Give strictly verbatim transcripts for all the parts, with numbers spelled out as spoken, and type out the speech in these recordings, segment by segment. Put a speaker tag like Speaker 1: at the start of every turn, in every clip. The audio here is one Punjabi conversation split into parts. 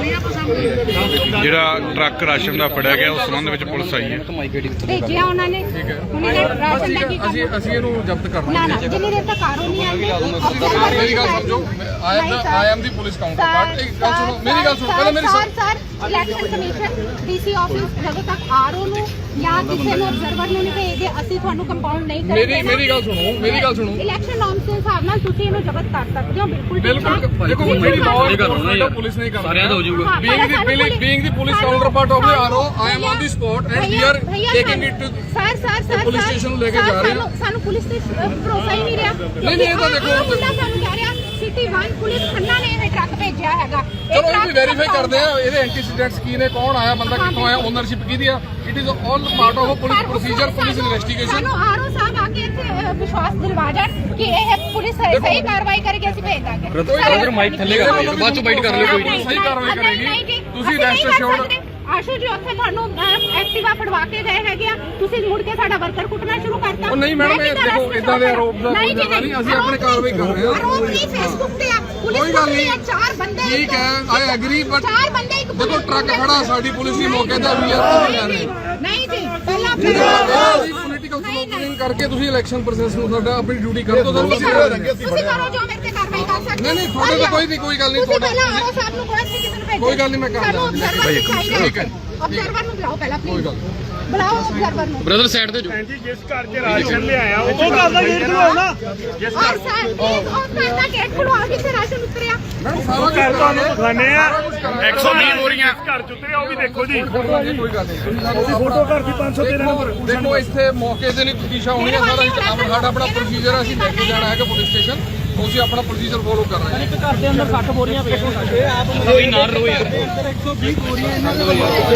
Speaker 1: ਜਿਹੜਾ ਟਰੱਕ ਰਾਸ਼ਨ ਦਾ ਫੜਿਆ ਗਿਆ ਉਸ ਸੰਬੰਧ ਵਿੱਚ ਪੁਲਿਸ ਆਈ ਹੈ।
Speaker 2: ਭੇਜਿਆ ਉਹਨਾਂ ਨੇ ਉਹਨਾਂ ਨੇ ਰਾਸ਼ਨ ਦਾ ਕੀ
Speaker 3: ਅਸੀਂ ਅਸੀਂ ਇਹਨੂੰ ਜ਼ਬਤ ਕਰਨਾ
Speaker 2: ਨਾ ਨਾ ਜਿੰਨੀ ਦੇਰ ਤੱਕ ਕਾਰੋ ਨਹੀਂ ਆਉਂਦੀ
Speaker 3: ਮੇਰੀ ਗੱਲ ਸਮਝੋ I am I am the police counterpart ਇੱਕ ਗੱਲ ਸੁਣੋ ਮੇਰੀ ਗੱਲ ਸੁਣੋ ਪਹਿਲਾਂ ਮੇਰੀ
Speaker 2: sir sir election commission DC office ਜਦੋਂ ਤੱਕ ਆਰਓ ਨੂੰ ਜਾਂ ਕਿਸੇ ਨੂੰ ਅਬਜ਼ਰਵਰ ਨੂੰ ਨਹੀਂ ਭੇਜਦੇ ਅਸੀਂ ਤੁਹਾਨੂੰ ਕੰਪਾਊਂਡ ਨਹੀਂ ਕਰਾਂਗੇ।
Speaker 3: ਮੇਰੀ ਮੇਰੀ ਗੱਲ ਸੁਣੋ ਮੇਰੀ ਗੱਲ ਸੁਣੋ
Speaker 2: ਇਲੈਕਸ਼ਨ ਨੋਰਮਸ ਦੇ ਹਿਸਾਬ ਨਾਲ ਤੁਸੀਂ ਇਹਨੂੰ ਜ਼ਬਤ ਕਰ ਸਕਦੇ ਹੋ ਬਿਲਕੁਲ
Speaker 3: ਬਿਲਕੁਲ ਦੇਖੋ ਮੇਰੀ ਲਾਅ ਪੁਲਿਸ ਨਹੀਂ ਕਰਦੀ ਸਾਰਿਆਂ ਦਾ ਹੋ ਜਾਊਗਾ being the being the police counterpart of the RO I am on the spot and we are taking it to
Speaker 2: sir sir sir
Speaker 3: police station ਲੈ ਕੇ ਜਾ ਰਹੇ ਹਾਂ।
Speaker 2: ਸਾਨੂੰ ਪੁਲਿਸ ਤੇ ਭਰੋਸਾ ਹੀ ਨਹੀਂ ਰਿਹਾ।
Speaker 3: ਨਹੀਂ ਨਹੀਂ ਇਹ ਤਾਂ ਦੇਖੋ
Speaker 2: ਸਾਨੂੰ ਕਹਿ ਰਿਹਾ ਸਿਟੀ ਵਨ ਪੁਲਿਸ ਖੰਨਾ ਨੇ ਇਹ ਟਰੱਕ ਭੇਜਿਆ ਹੈਗਾ।
Speaker 3: ਚਲੋ ਇਹ ਵੀ ਵੈਰੀਫਾਈ ਕਰਦੇ ਆ ਇਹਦੇ ਐਂਟੀਸੀਡੈਂਟਸ ਕੀ ਨੇ ਕੌਣ ਆਇਆ ਬੰਦਾ ਕਿੱਥੋਂ ਆਇਆ ਓਨਰਸ਼ਿਪ ਕਿਹਦੀ ਆ it is all part of police procedure police investigation.
Speaker 2: ਸਾਨੂੰ ਆਰਓ ਸਾਹਿਬ ਆ ਕੇ ਇੱਥੇ ਵਿਸ਼ਵਾਸ ਦਿਲਵਾ ਜਾਣ ਕਿ ਇਹ ਪੁਲਿਸ ਸਹੀ ਕਾਰਵਾਈ ਕਰੇਗੀ ਅਸੀਂ ਭੇਜ ਦਾਂਗੇ।
Speaker 3: ਬ੍ਰਦਰ ਮਾਈਕ ਥੱਲੇ ਕਰ ਲਿਓ ਬਾਅਦ ਚ ਬਾਈਟ ਕਰ ਲਿਓ ਕੋਈ ਨਹੀਂ ਸਹੀ ਕਾਰਵਾਈ ਕਰੇਗੀ ਤੁਸੀਂ ਰੈਸਟ ਅਸ਼ੋਰਡ।
Speaker 2: ਆਸ਼ੂ ਜੀ ਉੱਥੇ ਤੁਹਾਨੂੰ ਐਕਟਿਵਾ ਫੜਵਾ ਕੇ ਗਏ ਹੈਗੇ ਆ ਤੁਸੀਂ ਮੁੜ ਕੇ ਸਾਡਾ ਵਰਕਰ ਕੁੱਟਣਾ ਸ਼ੁਰੂ ਕਰਤਾ।
Speaker 3: ਉਹ ਨਹੀਂ ਮੈਡਮ ਇਹ ਦੇਖੋ ਇਦਾਂ ਦੇ ਆਰੋਪ ਦਾ ਕੋਈ ਜ਼ਿਆਦਾ ਨਹੀਂ ਅਸੀਂ ਆਪਣੀ ਕਾਰਵਾਈ ਕਰ ਰਹੇ ਹਾਂ।
Speaker 2: ਆਰੋਪ ਨਹੀਂ ਫੇਸਬੁੱਕ ਤੇ ਆ
Speaker 3: ਕੋਈ ਗੱਲ ਨਹੀਂ
Speaker 2: ਚਾਰ ਬੰਦੇ
Speaker 3: ਠੀਕ ਹੈ ਆਈ ਐਗਰੀ ਬਟ
Speaker 2: ਚਾਰ ਬੰਦੇ ਇੱਕ
Speaker 3: ਦੇਖੋ ਟਰੱਕ ਖੜਾ ਸਾਡੀ ਪੁਲਿਸ ਦੀ ਮੌਕੇ ਤੇ ਵੀ ਆ
Speaker 2: ਨਹੀਂ ਜੀ ਪਹਿਲਾਂ
Speaker 3: ਪੋਲੀਟੀਕਲ ਸਲੋਗਨਿੰਗ ਕਰਕੇ ਤੁਸੀਂ ਇਲੈਕਸ਼ਨ ਪ੍ਰੋਸੈਸ ਨੂੰ ਸਾਡਾ ਆਪਣੀ ਡਿਊਟੀ ਕਰੋ ਤਾਂ
Speaker 2: ਤੁਸੀਂ ਕਰੋ ਜੋ ਮੇਰੇ ਤੇ ਕਾਰਵਾਈ ਕਰ ਸਕਦੇ।
Speaker 3: ਨਹੀਂ ਨਹੀਂ ਤੁਹਾਡੇ ਤੋਂ ਕੋਈ ਨਹੀਂ ਕੋਈ ਗੱਲ ਨਹੀਂ ਤੁਹਾਡੇ
Speaker 2: ਪਹਿਲਾਂ ਆਰਓ ਸਾਹਿਬ ਨੂੰ ਕੋਈ ਕਿਸੇ ਨੂੰ ਭੇਜੋ
Speaker 3: ਕੋਈ ਗੱਲ ਨਹੀਂ ਮੈਂ ਕਰ ਦਿੰਦਾ
Speaker 2: ਠੀਕ ਹੈ ਅਬਜ਼ਰਵਰ ਨੂੰ ਬੁਲਾਓ ਪਹਿਲਾਂ
Speaker 3: ਕੋਈ ਗੱਲ
Speaker 2: ਬੁਲਾਓ ਅਬਜ਼ਰਵਰ ਨੂੰ।
Speaker 3: ਬ੍ਰਦਰ ਸਾਈਡ ਤੇ ਜੋ
Speaker 4: ਜੀ ਜਿਸ ਘਰ 'ਚ ਰਾਸ਼ਨ ਲਿਆਇਆ ਉਹ ਘਰ ਦਾ ਗੇਟ ਖੁਲਵਾਓ ਨਾ।
Speaker 2: ਜਿਸ ਘਰ ਉਹ ਘਰ ਦਾ ਗੇਟ ਖੁਲਵਾ ਕੇ ਰਾਸ਼ਨ ਉਤਰਿਆ
Speaker 3: ਸਾਰਾ
Speaker 4: ਘਰ ਤੁਹਾਨੂੰ ਦਿਖਾਣੇ ਆ
Speaker 1: ਇੱਕ ਸੌ ਵੀਹ ਬੋਰੀਆਂ
Speaker 4: ਘਰ 'ਚ ਉਤਰਿਆ ਉਹ ਵੀ ਦੇਖੋ ਜੀ
Speaker 3: ਕੋਈ ਗੱਲ ਨਹੀਂ
Speaker 4: ਫੋਟੋ ਘਰ ਦੀ ਪੰਜ ਸੌ ਤੇਰਾਂ ਨੰਬਰ
Speaker 3: ਦੇਖੋ ਇੱਥੇ ਮੌਕੇ ਤੇ ਨਹੀਂ ਪਟੀਸ਼ਾ ਹੋਣੀ ਹੈ ਸਾਰਾ ਸਾਡਾ ਆਪਣਾ ਪ੍ਰੋਸੀਜਰ ਅਸੀਂ ਲੈ ਕੇ ਜਾਣਾ ਹੈਗਾ ਪੁਲਿਸ ਸਟੇਸ਼ਨ ਅਸੀਂ ਆਪਣਾ ਪ੍ਰੋਸੀਜਰ ਫੋਲੋ ਕਰ ਰਹੇ ਹਾਂ।
Speaker 4: ਇੱਕ ਘਰ ਦੇ ਅੰਦਰ ਸੱਠ ਬੋਰੀਆਂ ਪਈਆਂ ਇਹ ਆਪ
Speaker 1: ਕੋਈ ਨਾ ਰੋ ਯਾਰ
Speaker 4: ਇੱਕ ਸੌ ਵੀਹ ਬੋਰੀਆਂ ਇਹਨਾਂ ਦੇ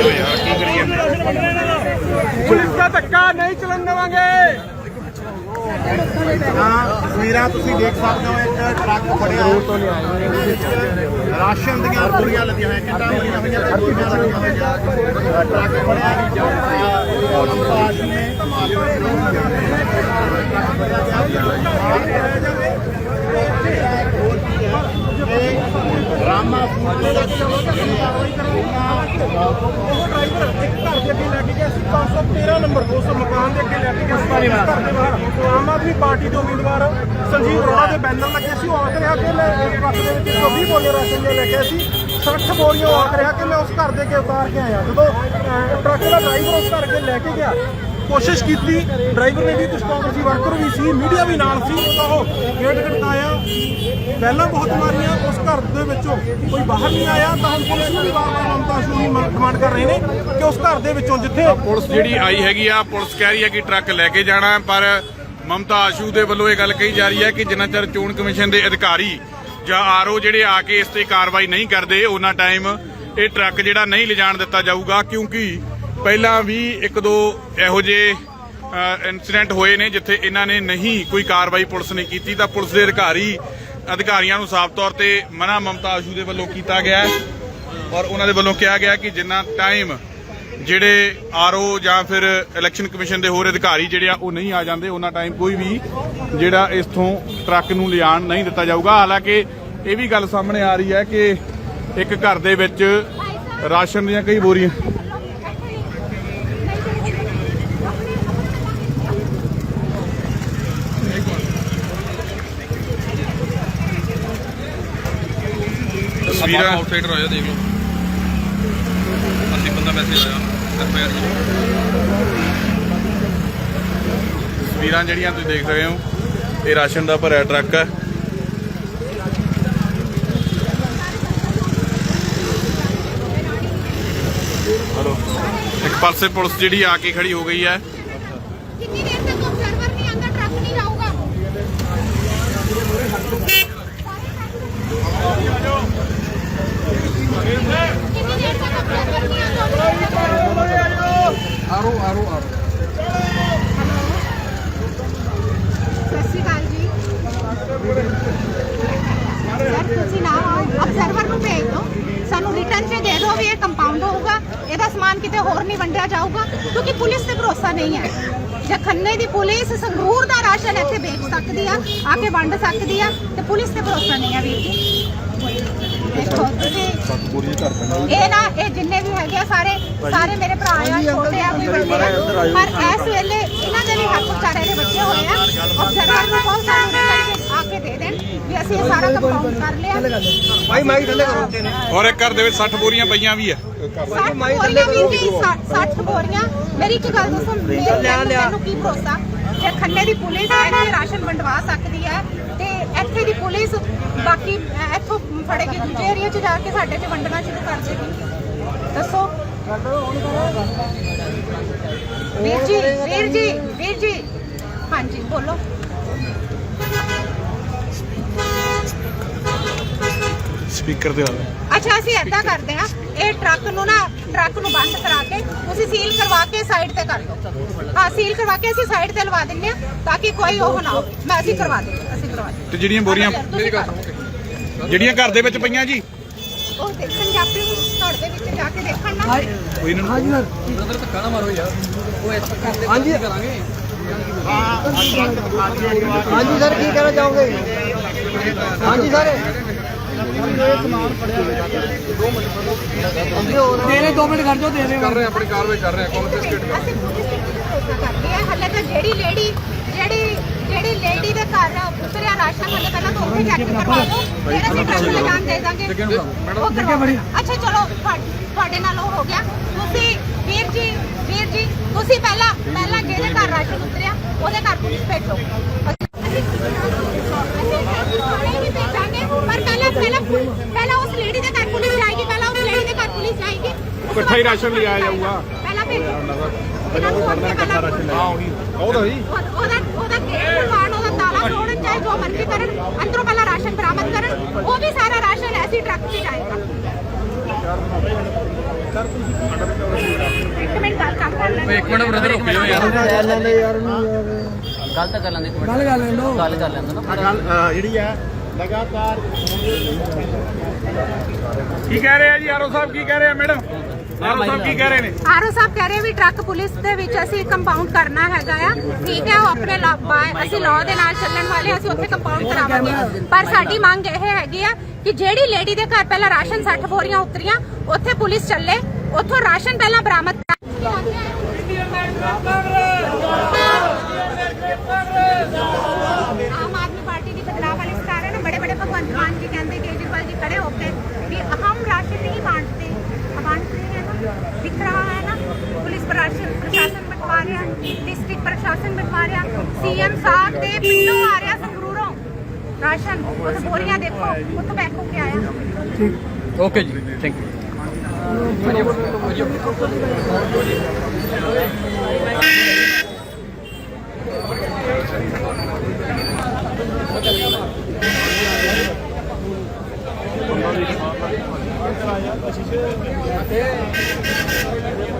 Speaker 4: ਪੁਲਿਸ ਦਾ ਧੱਕਾ ਨਹੀਂ ਚੱਲਣ ਦੇਵਾਂਗੇ।
Speaker 5: ਤਸਵੀਰਾਂ ਤੁਸੀਂ ਦੇਖ ਸਕਦੇ ਹੋ ਇੱਕ ਟਰੱਕ ਫੜਿਆ ਰਾਸ਼ਨ ਦੀਆਂ ਬੋਰੀਆਂ ਲੱਗੀਆਂ ਹੋਈਆਂ ਕਿੰਨਾ ਲੱਗੀਆਂ ਹੋਈਆਂ ਤੇ ਬੋਰੀਆਂ ਲੱਗੀਆਂ ਹੋਈਆਂ ਟਰੱਕ ਫੜਿਆ ਪਾਸ ਨੇ ਰਾਮਾ ਫੂਡ ਦੇ
Speaker 4: ਅੱਗੇ ਲੈ ਕੇ ਗਿਆ ਸੀ ਪੰਜ ਸੌ ਤੇਰਾਂ ਨੰਬਰ ਦੋ ਸੌ ਮਕਾਨ ਦੇ ਅੱਗੇ ਲੈ ਕੇ ਗਿਆ ਸੀ ਘਰ ਦੇ ਬਾਹਰ ਆਮ ਆਦਮੀ ਪਾਰਟੀ ਦੇ ਉਮੀਦਵਾਰ ਸੰਜੀਵ ਅਰੋੜਾ ਦੇ ਬੈਨਰ ਲੱਗੇ ਸੀ ਉਹ ਆਖ ਰਿਹਾ ਕਿ ਮੈਂ ਟਰੱਕ ਦੇ ਵਿੱਚ ਇੱਕ ਸੌ ਵੀਹ ਬੋਰੀਆਂ ਰਾਸ਼ਨ ਲੈ ਕੇ ਸੀ ਸੱਠ ਬੋਰੀਆਂ ਆਖ ਰਿਹਾ ਕਿ ਮੈਂ ਉਸ ਘਰ ਦੇ ਅੱਗੇ ਉਤਾਰ ਕੇ ਆਇਆ। ਜਦੋਂ ਟਰੱਕ ਦਾ ਡਰਾਈਵਰ ਉਸ ਘਰ ਅੱਗੇ ਲੈ ਕੇ ਗਿਆ ਕੋਸ਼ਿਸ਼ ਕੀਤੀ ਡਰਾਈਵਰ ਨੇ ਵੀ ਕੁਝ ਕਾਂਗਰਸੀ ਵਰਕਰ ਵੀ ਸੀ ਮੀਡੀਆ ਵੀ ਨਾਲ ਸੀ ਤਾਂ ਉਹ ਗੇਟ ਖੜਕਾਇਆ ਪਹਿਲਾਂ ਬਹੁਤ ਮਾਰੀਆਂ ਉਸ ਘਰ ਦੇ ਵਿੱਚੋਂ ਕੋਈ ਬਾਹਰ ਨਹੀਂ ਆਇਆ ਤਾਂ ਹੁਣ ਪੁਲਿਸ ਨੂੰ ਵੀ ਵਾਰ-ਵਾਰ ਮਮਤਾ ਸ਼ੂ ਦੀ ਡਿਮਾਂਡ ਕਰ ਰਹੇ ਨੇ ਕਿ ਉਸ ਘਰ ਦੇ ਵਿੱਚੋਂ ਜਿੱਥੇ
Speaker 1: ਪੁਲਿਸ ਜਿਹੜੀ ਆਈ ਹੈਗੀ ਆ ਪੁਲਿਸ ਕਹਿ ਰਹੀ ਹੈ ਕਿ ਟਰੱਕ ਲੈ ਕੇ ਜਾਣਾ ਪਰ ਮਮਤਾ ਆਸ਼ੂ ਦੇ ਵੱਲੋਂ ਇਹ ਗੱਲ ਕਹੀ ਜਾ ਰਹੀ ਹੈ ਕਿ ਜਿੰਨਾ ਚਿਰ ਚੋਣ ਕਮਿਸ਼ਨ ਦੇ ਅਧਿਕਾਰੀ ਜਾਂ ਆਰਓ ਜਿਹੜੇ ਆ ਕੇ ਇਸ ਤੇ ਕਾਰਵਾਈ ਨਹੀਂ ਕਰਦੇ ਉਹਨਾਂ ਟਾਈਮ ਇਹ ਟਰੱਕ ਜਿਹੜਾ ਨਹੀਂ ਲਿਜਾਣ ਦਿੱਤਾ ਜਾਊਗਾ ਕਿਉਂਕਿ ਪਹਿਲਾਂ ਵੀ ਇੱਕ ਦੋ ਇਹੋ ਜਿਹੇ ਇਨਸੀਡੈਂਟ ਹੋਏ ਨੇ ਜਿੱਥੇ ਇਹਨਾਂ ਨੇ ਨਹੀਂ ਕੋਈ ਕਾਰਵਾਈ ਪੁਲਿਸ ਨੇ ਕੀਤੀ ਤਾਂ ਪੁਲਿਸ ਦੇ ਅਧਿਕਾਰੀ ਅਧਿਕਾਰੀਆਂ ਨੂੰ ਸਾਫ਼ ਤੌਰ ਤੇ ਮਨਾ ਮਮਤਾ ਆਸ਼ੂ ਦੇ ਵੱਲੋਂ ਕੀਤਾ ਗਿਆ ਹੈ ਔਰ ਉਹਨਾਂ ਦੇ ਵੱਲੋਂ ਕਿਹਾ ਗਿਆ ਕਿ ਜਿੰਨਾ ਟਾਈਮ ਜਿਹੜੇ ਆਰਓ ਜਾਂ ਫਿਰ ਇਲੈਕਸ਼ਨ ਕਮਿਸ਼ਨ ਦੇ ਹੋਰ ਅਧਿਕਾਰੀ ਜਿਹੜੇ ਆ ਉਹ ਨਹੀਂ ਆ ਜਾਂਦੇ ਉਹਨਾਂ ਟਾਈਮ ਕੋਈ ਵੀ ਜਿਹੜਾ ਇਸਥੋਂ ਟਰੱਕ ਨੂੰ ਲਿਆਣ ਨਹੀਂ ਦਿੱਤਾ ਜਾਊਗਾ। ਹਾਲਾਂਕਿ ਇਹ ਵੀ ਗੱਲ ਸਾਹਮਣੇ ਆ ਰਹੀ ਹੈ ਕਿ ਇੱਕ ਘਰ ਦੇ ਵਿੱਚ ਰਾਸ਼ਨ ਦੀਆਂ ਕਈ ਬੋਰੀਆਂ ਤਸਵੀਰਾਂ
Speaker 3: ਆਊਟਸਾਈਡਰ ਆਇਆ ਦੇਖ ਲਓ ਅਸੀਂ ਬੰਦਾ ਮੈਸੇਜ ਆਇਆ ਐਫ ਆਈ ਆਰ
Speaker 1: ਤਸਵੀਰਾਂ ਜਿਹੜੀਆਂ ਤੁਸੀਂ ਦੇਖ ਰਹੇ ਹੋ ਇਹ ਰਾਸ਼ਨ ਦਾ ਭਰਿਆ ਟਰੱਕ ਹੈ। ਇੱਕ ਪਾਸੇ ਪੁਲਿਸ ਜਿਹੜੀ ਆ ਕੇ ਖੜੀ ਹੋ ਗਈ ਹੈ।
Speaker 2: ਕਿੰਨੀ ਦੇਰ ਤੱਕ ਅਬਜ਼ਰਵਰ ਨਹੀਂ ਆਉਂਦਾ ਟਰੱਕ ਨਹੀਂ ਜਾਊਗਾ। ਕਿੰਨੀ ਦੇਰ ਤੱਕ ਅਬਜ਼ਰਵਰ ਨਹੀਂ ਆਉਂਦਾ।
Speaker 3: ਆਰੋ ਆਰੋ ਆਰੋ
Speaker 2: ਸਤਿ ਸ਼੍ਰੀ ਅਕਾਲ ਜੀ ਸਰ ਤੁਸੀਂ ਨਾ ਅਬਜ਼ਰਵਰ ਨੂੰ ਭੇਜ ਦਿਓ ਸਾਨੂੰ ਰਿਟਰਨ 'ਚ ਦੇ ਦਿਓ ਵੀ ਇਹ ਕੰਪਾਊਂਡ ਹੋਊਗਾ ਇਹਦਾ ਸਮਾਨ ਕਿਤੇ ਹੋਰ ਨਹੀਂ ਵੰਡਿਆ ਜਾਊਗਾ ਕਿਉਂਕਿ ਪੁਲਿਸ ਤੇ ਭਰੋਸਾ ਨਹੀਂ ਹੈ। ਜੇ ਖੰਨੇ ਦੀ ਪੁਲਿਸ ਸੰਗਰੂਰ ਦਾ ਰਾਸ਼ਨ ਇੱਥੇ ਵੇਚ ਸਕਦੀ ਆ ਆ ਕੇ ਵੰਡ ਸਕਦੀ ਆ ਤੇ ਪੁਲਿਸ ਤੇ ਭਰੋਸਾ ਨਹੀਂ ਹੈ ਵੀਰ ਜੀ। ਦੇਖੋ ਤੁਸੀਂ ਇਹ ਨਾ ਇਹ ਜਿੰਨੇ ਵੀ ਹੈਗੇ ਆ ਸਾਰੇ ਸਾਰੇ ਮੇਰੇ ਭਰਾ ਆ, ਛੋਟੇ ਆ ਕੋਈ ਵੱਡੇ ਆ, ਪਰ ਇਸ ਵੇਲੇ ਇਹਨਾਂ ਦੇ ਵੀ ਹੱਥ ਵਿਚਾਰੇ ਦੇ ਬੱਚੇ ਹੋਏ ਆ। ਅਫਸਰਾਂ ਨੂੰ ਬਹੁਤ ਸਾਨੂੰ ਰਿਟਰਨ ਆ ਕੇ ਦੇ ਦੇਣ ਵੀ ਅਸੀਂ ਇਹ ਸਾਰਾ ਕੰਪਾਊਂਡ ਕਰ ਲਿਆ।
Speaker 4: ਭਾਈ ਮਾਈਕ ਥੱਲੇ ਕਰੋ।
Speaker 1: ਔਰ ਇੱਕ ਘਰ ਦੇ ਵਿੱਚ ਸੱਠ ਬੋਰੀਆਂ ਪਈਆਂ ਵੀ ਆ।
Speaker 2: ਸੱਠ ਬੋਰੀਆਂ ਵੀਰ ਜੀ, ਸੱਠ ਬੋਰੀਆਂ। ਮੇਰੀ ਇੱਕ ਗੱਲ ਦੱਸੋ, ਮੈਨੂੰ ਕੀ ਭਰੋਸਾ ਜੇ ਖੰਨੇ ਦੀ ਪੁਲਿਸ ਇੱਥੇ ਰਾਸ਼ਨ ਵੰਡਵਾ ਸਕਦੀ ਹੈ ਤੇ ਇੱਥੇ ਦੀ ਪੁਲਿਸ ਬਾਕੀ ਇੱਥੋਂ ਫੜੇ ਕੇ ਦੂਜੇ ਏਰੀਆ 'ਚ ਜਾ ਕੇ ਸਾਡੇ 'ਚ ਵੰਡਣਾ ਸ਼ੁਰੂ ਕਰ ਦੇਗੀ? ਦੱਸੋ ਵੀਰ ਜੀ, ਵੀਰ ਜੀ, ਵੀਰ ਜੀ, ਹਾਂਜੀ ਬੋਲੋ।
Speaker 1: ਸਪੀਕਰ ਤੇ
Speaker 2: ਅੱਛਾ ਅਸੀਂ ਏਦਾਂ ਕਰਦੇ ਹਾਂ, ਇਹ ਟਰੱਕ ਨੂੰ ਨਾ ਟਰੱਕ ਨੂੰ ਬੰਦ ਕਰਾ ਕੇ ਤੁਸੀਂ ਸੀਲ ਕਰਵਾ ਕੇ ਸਾਈਡ ਤੇ ਕਰ ਦਿਓ। ਹਾਂ ਸੀਲ ਕਰਵਾ ਕੇ ਅਸੀਂ ਸਾਈਡ ਤੇ ਲਵਾ ਦਿੰਨੇ ਆ ਤਾਂ ਕਿ ਕੋਈ ਉਹ ਨਾ ਹੋਵੇ। ਮੈਂ ਅਸੀਂ ਕਰਵਾ ਦਿੰਦੇ ਅਸੀਂ ਕਰਵਾ ਦਿੰਦੇ।
Speaker 1: ਤੇ ਜਿਹੜੀਆਂ ਬੋਰੀਆਂ
Speaker 2: ਤੁਸੀਂ ਕਰ ਦਿਓ।
Speaker 1: ਜਿਹੜੀਆਂ ਘਰ ਦੇ ਵਿੱਚ ਪਈਆਂ ਜੀ
Speaker 2: ਉਹ ਦੇਖਣ ਜਾਪੇ ਘਰ ਦੇ ਵਿੱਚ ਜਾ ਕੇ ਦੇਖਣ ਨਾ।
Speaker 1: ਕੋਈ ਨਾ
Speaker 4: ਹਾਂਜੀ ਸਰ।
Speaker 3: ਬ੍ਰਦਰ ਧੱਕਾ ਨਾ ਮਾਰੋ ਯਾਰ, ਉਹ ਇਸ ਕਰਦੇ
Speaker 4: ਹਾਂਜੀ
Speaker 3: ਕਰਾਂਗੇ।
Speaker 4: ਹਾਂਜੀ ਸਰ ਕੀ ਕਹਿਣਾ ਚਾਹੋਗੇ? ਹਾਂਜੀ ਸਰ ਦੇ ਰਹੇ ਦੋ ਮਿੰਟ ਖੜ ਜਾਓ। ਦੇ ਰਹੇ
Speaker 3: ਕਰ ਰਹੇ ਹਾਂ, ਆਪਣੀ ਕਾਰਵਾਈ ਕਰ ਰਹੇ ਹਾਂ। ਕੌਣ
Speaker 2: ਅਸੀਂ ਪੁਲਿਸ ਤੇ ਭਰੋਸਾ ਕਰਦੇ ਆ। ਹਲੇ ਤਾਂ ਜਿਹੜੀ ਲੇਡੀ ਜਿਹੜੀ ਜਿਹੜੀ ਲੇਡੀ ਦੇ ਘਰ ਉਤਰਿਆ ਰਾਸ਼ਨ, ਹਲੇ ਪਹਿਲਾਂ ਤਾਂ ਉੱਥੇ ਚੈੱਕ ਕਰਵਾ ਦਿਓ, ਫਿਰ ਅਸੀਂ ਟਰੱਕ ਲੈ ਜਾਣ ਦੇ ਦਾਂਗੇ। ਉਹ ਕਰਵਾਓ। ਅੱਛਾ ਚਲੋ ਤੁਹਾ- ਤੁਹਾਡੇ ਨਾਲ ਉਹ ਹੋ ਗਿਆ। ਤੁਸੀਂ ਵੀਰ ਜੀ ਵੀਰ ਜੀ ਤੁਸੀਂ ਪਹਿਲਾਂ ਪਹਿਲਾਂ ਜਿਹਦੇ ਘਰ ਰਾਸ਼ਨ ਉਤਰਿਆ ਉਹਦੇ ਘਰ ਪੁਲਿਸ ਭੇਜੋ। ਅਸੀਂ ਥਾਣੇ ਵੀ ਭੇਜਾਂਗੇ, ਪਰ ਪਹਿਲਾਂ ਪਹਿਲਾਂ ਪਹਿਲਾਂ ਉਸ ਲੇਡੀ ਦੇ ਘਰ ਪੁਲਿਸ ਜਾਏਗੀ। ਪਹਿਲਾਂ ਉਸ ਲੇਡੀ ਦੇ ਘਰ ਪੁਲਿਸ ਜਾਏਗੀ।
Speaker 1: ਇਕੱਠਾ ਹੀ ਰਾਸ਼ਨ ਲਿਆਇਆ ਜਾਊਗਾ।
Speaker 2: ਪਹਿਲਾਂ ਭੇਜੋ ਇਹਨਾਂ ਨੂੰ ਉੱਥੇ ਪਹਿਲਾਂ
Speaker 1: ਹਾਂ ਉਹੀ ਉਹਦਾ ਜੀ
Speaker 2: ਉਹ- ਉਹਦਾ ਉਹਦਾ ਗੇਟ ਖੁਲਵਾਉਣ, ਉਹਦਾ ਤਾਲਾ ਤੋੜਨ, ਚਾਹੇ ਜੋ ਮਰਜ਼ੀ ਕਰਨ, ਅੰਦਰੋਂ ਪਹਿਲਾਂ ਰਾਸ਼ਨ ਬਰਾਮਦ ਕਰਨ। ਉਹ ਵੀ ਸਾਰਾ ਰਾਸ਼ਨ ਐਸੀ ਟਰੱਕ 'ਚ ਜਾਏਗਾ। ਇੱਕ ਮਿੰਟ ਗੱਲ ਕਰ ਲੈਣ।
Speaker 3: ਇੱਕ ਮਿੰਟ ਬ੍ਰਦਰ ਰੁਕ ਜਾਓ ਯਾਰ।
Speaker 6: ਗੱਲ ਤਾਂ ਕਰ ਲੈਂਦੇ ਇੱਕ ਮਿੰਟ,
Speaker 4: ਗੱਲ ਕਰ ਲੈਂਦੋ।
Speaker 6: ਗੱਲ ਕਰ ਲੈਂਦੇ ਨਾ।
Speaker 5: ਗੱਲ ਅ, ਜਿਹੜੀ ਹੈ ਲਗਾਤਾਰ
Speaker 1: ਕੀ ਕਹਿ ਰਹੇ ਆ ਜੀ ਆਰਓ ਸਾਹਿਬ? ਕੀ ਕਹਿ ਰਹੇ ਆ ਮੈਡਮ? ਆਰਓ ਸਾਹਿਬ ਕੀ ਕਹਿ ਰਹੇ ਨੇ?
Speaker 2: ਆਰਓ ਸਾਹਿਬ ਕਹਿ ਰਹੇ ਵੀ ਟਰੱਕ ਪੁਲਿਸ ਦੇ ਵਿੱਚ ਅਸੀਂ ਕੰਪਾਊਂਡ ਕਰਨਾ ਹੈਗਾ ਆ। ਠੀਕ ਹੈ, ਉਹ ਆਪਣੇ ਲਾ- ਬਾ- ਅਸੀਂ ਲਾਅ ਦੇ ਨਾਲ ਚੱਲਣ ਵਾਲੇ, ਅਸੀਂ ਉੱਥੇ ਕੰਪਾਊਂਡ ਕਰਾਵਾਂਗੇ। ਪਰ ਸਾਡੀ ਮੰਗ ਇਹ ਹੈਗੀ ਆ ਕਿ ਜਿਹੜੀ ਲੇਡੀ ਦੇ ਘਰ ਪਹਿਲਾਂ ਰਾਸ਼ਨ ਸੱਠ ਬੋਰੀਆਂ ਉਤਰੀਆਂ, ਉੱਥੇ ਪੁਲਿਸ ਚੱਲੇ, ਉੱਥੋਂ ਰਾਸ਼ਨ ਪਹਿਲਾਂ ਬਰਾਮਦ ਕਰ। ਆਮ ਆਦਮੀ ਪਾर्टी की बदलाव वाली सरकार है ना, बड़े बड़े भगवंत मान जी कहते, केजरीवाल जी खड़े होते कि हम राशन नहीं बांटते, बांटते हैं ना, दिख रहा है ना। पुलिस प्रशासन प्रशासन बंटवा रहा, डिस्ट्रिक्ट प्रशासन बंटवा रहा, सीएम साहब के पिंडों आ रहा संगरूरों राशन। उस बोरियां देखो उतो बैग होके आया।
Speaker 3: ਓਕੇ ਜੀ, ਥੈਂਕ ਯੂ।
Speaker 4: ਅਸੀਂ